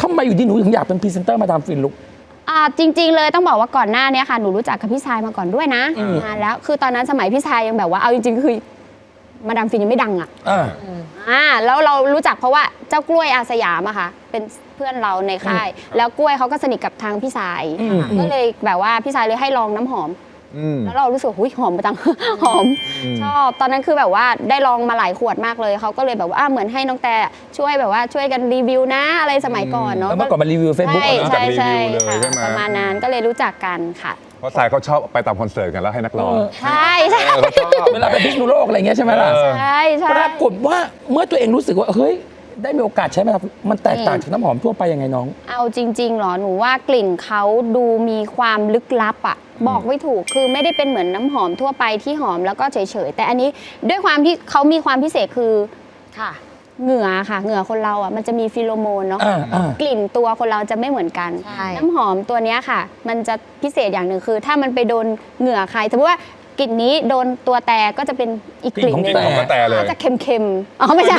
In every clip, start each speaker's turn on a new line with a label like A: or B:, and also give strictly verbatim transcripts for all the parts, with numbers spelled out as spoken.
A: ทำไมอยู่ดีหนูถึงอยากเป็นพรีเซนเตอร์มาดามฟินลูก
B: อ่าจริงๆเลยต้องบอกว่าก่อนหน้านี้ค่ะหนูรู้จักกับพี่ชายมาก่อนด้วยนะนานแล้วคือตอนนั้นสมัยพี่ชายยังแบบว่าเอาจริงๆคือมาดามฟินยังไม่ดังอ่ะอ่าแล้วเรารู้จักเพราะว่าเจ้ากล้วยอาสยามอะค่ะเป็นเพื่อนเราในค่ายแล้วกล้วยเขาก็สนิทกับทางพี่ชายก็เลยแบบว่าพี่ชายเลยให้ลองน้ำหอมแล้วเรารู้สึกหุยหอมจังหอมชอบตอนนั้นคือแบบว่าได้ลองมาหลายขวดมากเลยเขาก็เลยแบบว่าเหมือนให้น้องแต่ช่วยแบบว่าช่วยกันรีวิวนะอะไรสมัยก่อนเนาะ
A: เมื่อก่อนมารีวิวเฟซบุ๊ก
B: ใช่ใช่ค่ะประมาณนั้นก็เลยรู้จักกันค่ะ
C: เพราะสายเขาชอบไปตามคอนเสิร์ตกันแล้วให้นักร้อง
B: ใช่ใช่
A: เวลาไปพิษณุโลกอะไรเงี้ยใช่ไหมล่ะ
B: ใช่ใช่
A: ปรากฏว่าเมื่อตัวเองรู้สึกว่าเฮ้ยได้มีโอกาสใช้ไหมครับมันแตกต่างจากน้ำหอมทั่วไปยังไงน้อง
B: เอาจริงๆหรอหนูว่ากลิ่นเขาดูมีความลึกลับอ่ะบอกไม่ถูกคือไม่ได้เป็นเหมือนน้ำหอมทั่วไปที่หอมแล้วก็เฉยๆแต่อันนี้ด้วยความที่เขามีความพิเศษคือค่ะเหงื่อค่ะเหงื่อคนเราอ่ะมันจะมีฟีโรโมนเนาะกลิ่นตัวคนเราจะไม่เหมือนกันน้ำหอมตัวนี้ค่ะมันจะพิเศษอย่างหนึ่งคือถ้ามันไปโดนเหงื่อใครสมมติว่ากลิ่นนี้โดนตัวแต่ก็จะเป็นอีกกลิ่นนึงก็จะเค็มๆอ๋อไม่ใช่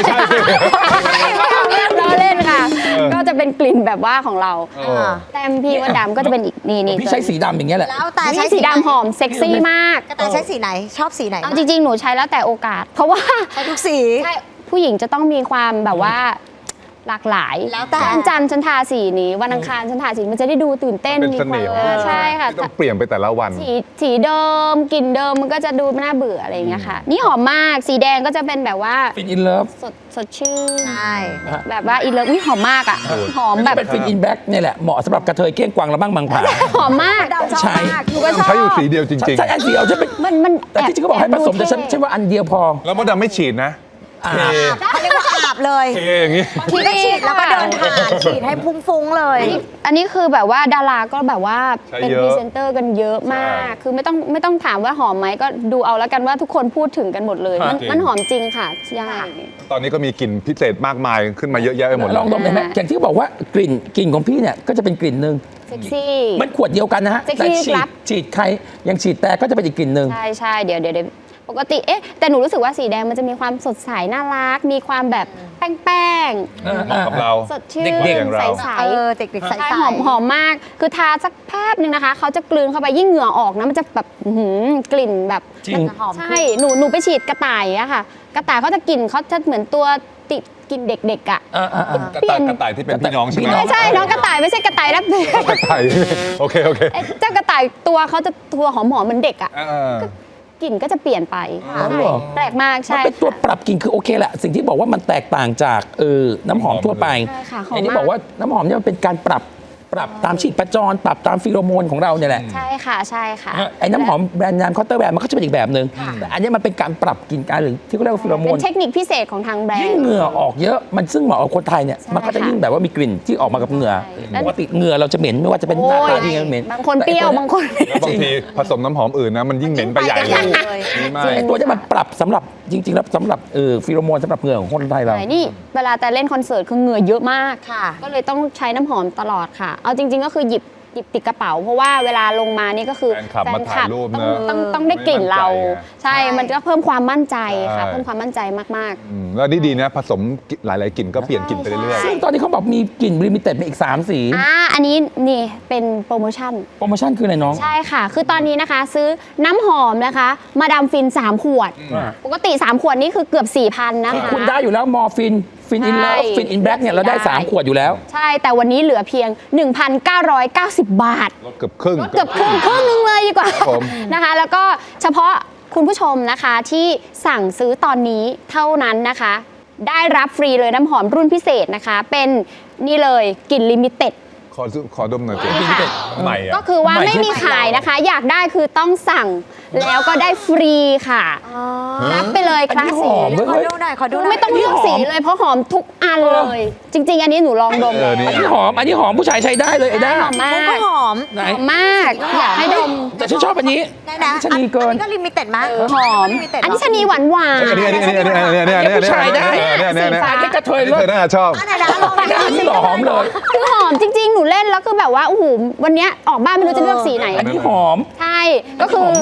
B: เราเล่นค่ะก็จะเป็นกลิ่นแบบว่าของเราแต้มพี่ว่าดำก็จะเป็นอีกนี่นี่
A: พี่ใช้สีดำอย่างเงี้ยแหละ
B: แล้วแต่ใช้สีดำหอมเซ็กซี่มาก
D: แต่ใช้สีไหนชอบสีไหน
B: เอาจริงๆหนูใช้แล้วแต่โอกาสเพราะว่า
D: ใช้ทุกสี
B: ใช่ผู้หญิงจะต้องมีความแบบว่าหลากหลาย
D: แล้วแต่
B: วันจันทร์ฉันทาสีนี้วันอังคารฉันทาสีมันจะได้ดูตื่นเต้น
C: มีความ
B: ใช่ค่ะ
C: ต้องเปลี่ยนไปแต่ละวัน
B: สีสีเดิมกลิ่นเดิมมันก็จะดูน่าเบื่ออะไรอย่างเงี้ยค่ะนี่หอมมากสีแดงก็จะเป็นแบบว่า
A: ฟินอินเลิฟ
B: สดสดชื่น
D: ใช่
B: แบบว่าอินเลิฟนี่หอมมากอ่ะหอมแบบ
A: เป็นฟินอินแบ็กเนี่ยแหละเหมาะสำหรับกระเทยเก้งกวางและบ้างบางผา
B: หอมมาก
A: ใช่
B: หนูก็ชอบ
C: ใช้อยู่สีเดียวจริงๆ
A: ใช่อันเดียวฉันเป็น
B: มันมัน
A: แต่ที่จริงเขาบอกให้ผสมแต่ฉันใช่ว่าอันเดียวพอ
C: แล้วมดดำไม่ฉีดนะ
D: เขาเรียกว่าอาบเลย
C: เทอย่างงี้
D: ทีก็ฉีดแล้วก็เดินผ่านฉีดให้ฟุ้งๆเลย
B: อันนี้คือแบบว่าดาราก็แบบว่าเป็นพรีเซนเตอร์กันเยอะมากคือไม่ต้องไม่ต้องถามว่าหอมไหมก็ดูเอาแล้วกันว่าทุกคนพูดถึงกันหมดเลยมันมันหอมจริงค่ะใช่
C: ตอนนี้ก็มีกลิ่นพิเศษมากมายขึ้นมาเยอะแยะไปหมด
A: ลองดมได้ไหมอย่างที่บอกว่ากลิ่นกลิ่นของพี่เนี่ยก็จะเป็นกลิ่นหนึ่ง
B: เซ็กซี่
A: มันขวดเดียวกันนะฮะแต่ฉีดฉีดใครยังฉีดแต่ก็จะเป็นอีกกลิ่นหนึ่ง
B: ใช่ใช่เดี๋ยวเดี๋ยวปกติเอ๊ะแต่หนูรู้สึกว่าสีแดงมันจะมีความสดใสน่ารักมีความแบบแป้ง
C: ๆเหมาะกับเรา
B: สดชื่นใสๆ
D: เออเด็กๆใส
B: ๆหอมหอมมากคือทาสักแป๊บนึงนะคะเขาจะกลืนเข้าไปยิ่งเหงื่อออกนะมันจะแบบกลิ่นแบบใช่หนูหนูไปฉีดกระต่ายอะค่ะกระต่ายเขาจะกลิ่นเขาจะเหมือนตัวติดกินเด็กๆอ่ะ
C: กระต่ายกระต่ายที่เป็นพี่น้องใช่ไหม
B: ไม่ใช่น้องกระต่ายไม่ใช่กระต่ายรับ
C: กระต่ายโอเคโอเค
B: เจ้ากระต่ายตัวเขาจะตัวหอมหอมเหมือนเด็กอ่ะกลิ่นก็จะเปลี่ยนไปแปลกมากใช่
A: เป็นตัวปรับกลิ่นคือโอเคแหละสิ่งที่บอกว่ามันแตกต่างจากเออน้ำหอมทั่วไปอันนี้บอกว่าน้ำหอมเนี่ยมันเป็นการปรับปรับตามชีพจรปรับตามฟีโรโมนของเราเนี่ยแหละ
B: ใช่ค่ะใช่ค่ะ
A: ไอ้น้ำหอมแบรนด์นามคอตเตอร์แบรนด์มันก็จะเป็นอีกแบบหนึ่งแต่อันนี้มันเป็นการปรับกลิ่นการหรือที่เขาเรียกว่าฟีโรโมน
B: เป็นเทคนิคพิเศษของทางแบรนด์
A: ยิ่งเหงื่อออกเยอะมันซึ่งเหมาะกับคนไทยเนี่ยมันก็จะยิ่งแบบว่ามีกลิ่นที่ออกมากับเหงื่อปกติเหงื่อเราจะเหม็นไม่ว่าจะเป็นหน้าตาที่เหม็น
B: บางคนเปรี้ยวบางคน
C: บางทีผสมน้ำหอมอื่นนะมันยิ่งเหม็นไปใหญ่เลย
A: ไอ้ตัวนี้มันปรับสำหรับจริงๆแล้วสำหรับเออฟีโรโมนสำหรับเหงื่อของคนไทยเรา
B: นี่เวลาแต่เล่นคอนเสิร์ตคือเหงื่อเยอะมากก็เลยต้องใช้น้ำหอมตลอดค่ะเอาจริงๆก็คือหยิบหยิบติดกระเป๋าเพราะว่าเวลาลงมานี่ก็คือ
C: แฟนคลับ
B: ต้องต้องต้องได้กลิ่นเราใช่มันก็เพิ่มความมั่นใจค่ะเพิ่มความมั่นใจมาก
C: ๆแล้วนี่ดีนะผสมหลายๆกลิ่นก็เปลี่ยนกลิ่นไปเรื่อย
A: ๆซึ่งตอนนี้เขาบอกมีกลิ่นลิมิเต็ดมาอีกสามสี
B: อ่าอันนี้นี่เป็นโปรโมชั่น
A: โปรโมชั่นคืออะไรน้อง
B: ใช่ค่ะคือตอนนี้นะคะซื้อน้ำหอมนะคะมาดามฟินสามขวดปกติสามขวดนี่คือเกือบ สี่พัน นะคะ
A: คุณได้อยู่แล้วมอร์ฟินฟินอินเลิฟฟินอินแบล็กเนี่ยเราได้สามขวดอยู่แล้ว
B: ใช่แต่วันนี้เหลือเพียง หนึ่งพันเก้าร้อยเก้าสิบ บาท
C: ลดเกือบครึ่ง
B: เกือบครึ่งครึ่งนึงเลยดีกว่านะคะแล้วก็เฉพาะคุณผู้ชมนะคะที่สั่งซื้อตอนนี้เท่านั้นนะคะได้รับฟรีเลยน้ำหอมรุ่นพิเศษนะคะเป็นนี่เลยกลิ่นลิมิเต็ด
C: ขอขอดมหน่อยสิ
B: ใหม่ก็คือว่าไม่มีขายนะคะอยากได้คือต้องสั่งแล้วก็ได้ฟรีค่ะรับไปเลยคลาสสี
D: ขอดูหน่อยขอดู
B: ไม่ต้องเลือกสีเลยเพราะหอมทุกอันเลยจริงๆอันนี้หนูลองดม
A: อันนี้หอมอันนี้หอมผู้ชายใช้ได้เลยไอ้ด้า
B: หอมมาก
D: ก็หอม
B: หอมมากอยากให้ดม
A: แต่ฉันชอบอันนี้ชนีเกิน
D: ก็ลิมิเต็ดมาก
B: หอมอันนี้ชนีหวานหวาน
C: อันนี้อันนี้อันนี้อันนี้อันนี้อันนี้
A: ผู้ชายได้
C: สี
A: ฟ้าที่กระเทย
C: เลยน่าชอบ
A: อันนี้หอมเลย
B: คือหอมจริงๆหนูเล่นแล้วคือแบบว่าโอ้โหวันนี้ออกบ้านไม่รู้จะเลือกสีไหน
A: อันนี้หอม
B: ใช่ก็คือได้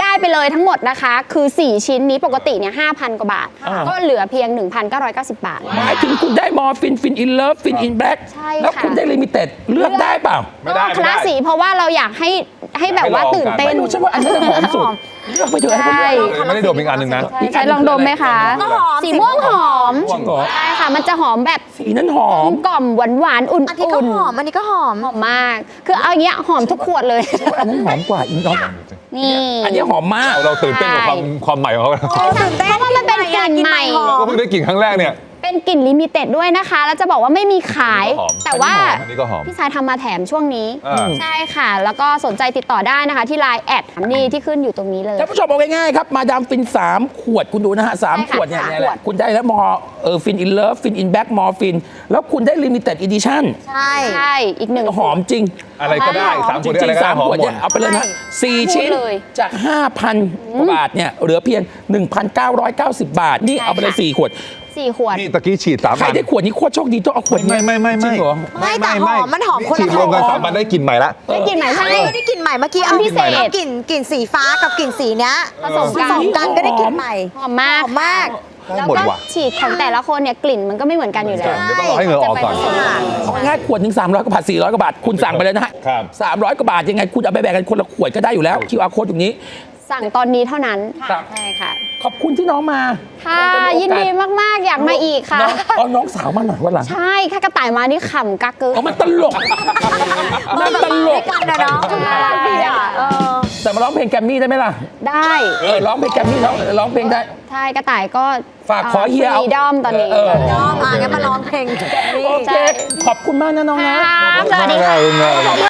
B: ได้ไปเลยทั้งหมดนะคะ คือ สี่ ชิ้นนี้ปกติเนี่ยห้าพันกว่าบาท
A: อ่า
B: ก็เหลือเพียง หนึ่งพันเก้าร้อยเก้าสิบ บาท
A: หมายถึงคุณได้มอร์ฟินฟินอินเลิฟฟินอินแบล็ก
B: ใช่ค่ะ
A: แล้วคุณได้ลิมิเต็ดเลือกได้เปล่า
C: ไม่ได้
B: ก็ค
C: ไม่
B: ลา
C: ได้
B: สสีเพราะว่าเราอยากให้ให้แบบว่าตื่นเต้น
A: ไม่รู้ฉันว่าอันนี้หอมสุดเลือกไปเถอะให้เขาเลือก
B: ใช่
C: ไม่ได้ดมอีกอันหนึ่งนะ
B: ใช่ใช่ลองดมไหมคะ
D: ก็หอม
B: สีม่วงหอม
A: จริงเหรอ
B: ใช่ค่ะ มันจะหอมแบบ
A: สีนั้นหอก
B: ล
A: ม
B: มกล่อมหวานหวานๆอุ่น
D: อันนี้ก็
B: อุ่น
D: หอม อันนี้ก็หอม
B: หอมมาก คือเอาอย่างเงี้ยหอมทุกขวดเลย
A: อันนั้นหอมกว่าอีกเนาะ
B: นี่
A: อันนี้หอมมาก
C: เราตื่นเต้นกับความความใหม่ของเขา
D: ตื่นเต้น
B: เพราะว่ามันเป็นกลิ่นใหม่
D: หอ
C: เราก็
D: ม
C: เพิ่งได้กลิ่นครั้งแรกเนี่ย
B: เป็นกลิ่นลิมิเต็ดด้วยนะคะ แล้วจะบอกว่าไม่มีขาย
C: หอม
B: แต่ว่า
C: อันนี้ก็หอม
B: พี่ชายทำมาแถมช่วงนี้
C: อ่า
B: ใช่ค่ะ แล้วก็สนใจติดต่อได้นะคะ ที่ ไลน์ แอดนี่ที่ขึ้นอยู่ตรงนี้เลย
A: ท่านผู้ชมเอาง่ายๆครับมาดามฟินสามขวดคุณดูนะฮะสาม
B: ใช่
A: ข
B: ค่ะ
A: วดเนี่ย
B: สาม
A: เนี่ยแห
B: ขว
A: ละ
B: ด
A: คุณได้แล้วมอเออฟินอินเลิฟฟินอินแบ็กมอร์ฟินแล้วคุณได้ลิมิเต็ดอีดิชั่น
D: ใช่
B: ใช่อีกหนึ่ง
A: หอมจริง
C: อะไรก็ได้สาม
A: จ
C: ขวดได้
A: ริ
C: อะไร
A: ง
C: ก็
A: ๆสา
C: ได้
A: ม
C: หอม
A: ขวด
C: หม
A: เนี่
C: ด
A: ยเอาไปเลยนะสี่
B: พูด
A: ชิ้น
B: เลย
A: จาก ห้าพัน กว่าบาทเนี่ยเหลือเพียง หนึ่งพันเก้าร้อยเก้าสิบ บาท นี่เอาไปเลยสี่ขวด
B: สี่ขวด
C: นี่ตะกี้ฉีดสาม
A: ใคร
C: อัน
A: ได้ขวดนี้โคตรโชคดีต้องเอาขวดนี้
C: ไม่ไม่ไม่
A: จริ
C: ไม่
A: งเหรอ
D: ไม่แต่หอมมันหอมคนละ
C: ฉีดรวมกัน
D: หอม
C: สามอันได้กลิ่นใหม่ละ
B: ได้กลิ่นไหน
D: ใช่
B: ใช่
D: ได้กลิ่นใหม่เมื่อกี้
B: อันพิเศษ
D: เอากลิ่นกลิ่นสีฟ้ากับกลิ่นสีเนี้ย
B: ผสม
D: ผ
B: กัน
D: สมกันก็ได้กลิ่นใหม่
B: หอมมาก
D: หอมมาก
C: ได้
B: แล้ว
C: หมด
B: ก็
C: ว่ะ
B: ฉีดของแต่ละคนเนี่ยกลิ่นมันก็ไม่เหมือนกันอยู่แล้ว
C: เดี๋ยวต้องรอให้เหงื่อออกก่อน
B: จะไปผสมกัน
A: เอาง่ายๆขวดหนึ่งสามร้อยกว่าบาทสี่ร้อยกว่าบาทคุณสั่งไปเลยนะฮะ
C: ครับ
A: สามร้อยกว่าบาทยังไงคุณเอาไปแบ่งกันคนละขวดก็ได้อยู่แล้ว คิว อาร์ code ตรงนี้
B: สั่งตอนนี้เท่านั้น
A: ครับ
B: ใช่ค่ะ
A: ขอบคุณที่น้องมา
B: ค่ะยินดีมาก ๆ อยากมาอีกค่ะ
A: น้องเอาน้องสาวมาหน่อยวันหลัง
B: ใช่ค่ะกระต่ายมานี่ขำกักกึก
A: เอามันตลกมันตลก
D: กันนะเนาะ
B: ใช่
D: ดีอ่ะเออ
A: แต่มาร้องเพลงแกรมมี่ได้ไหมล่ะ
B: ได้
A: เออร้องเพลงแกรมมี่ร้องร้องเพลงได้
B: ใช่กระต่ายก็
A: ฝากขอเฮียเอา
B: ฟรีดอมตอนนี้
A: เออ
D: ยอมอ่ะงั้นมาร้องเพลงแบบนี้
A: โอเค ขอบคุณมากนะน้องนะ
B: ครับสวัสดีค่ะ
C: ขอบคุณมาก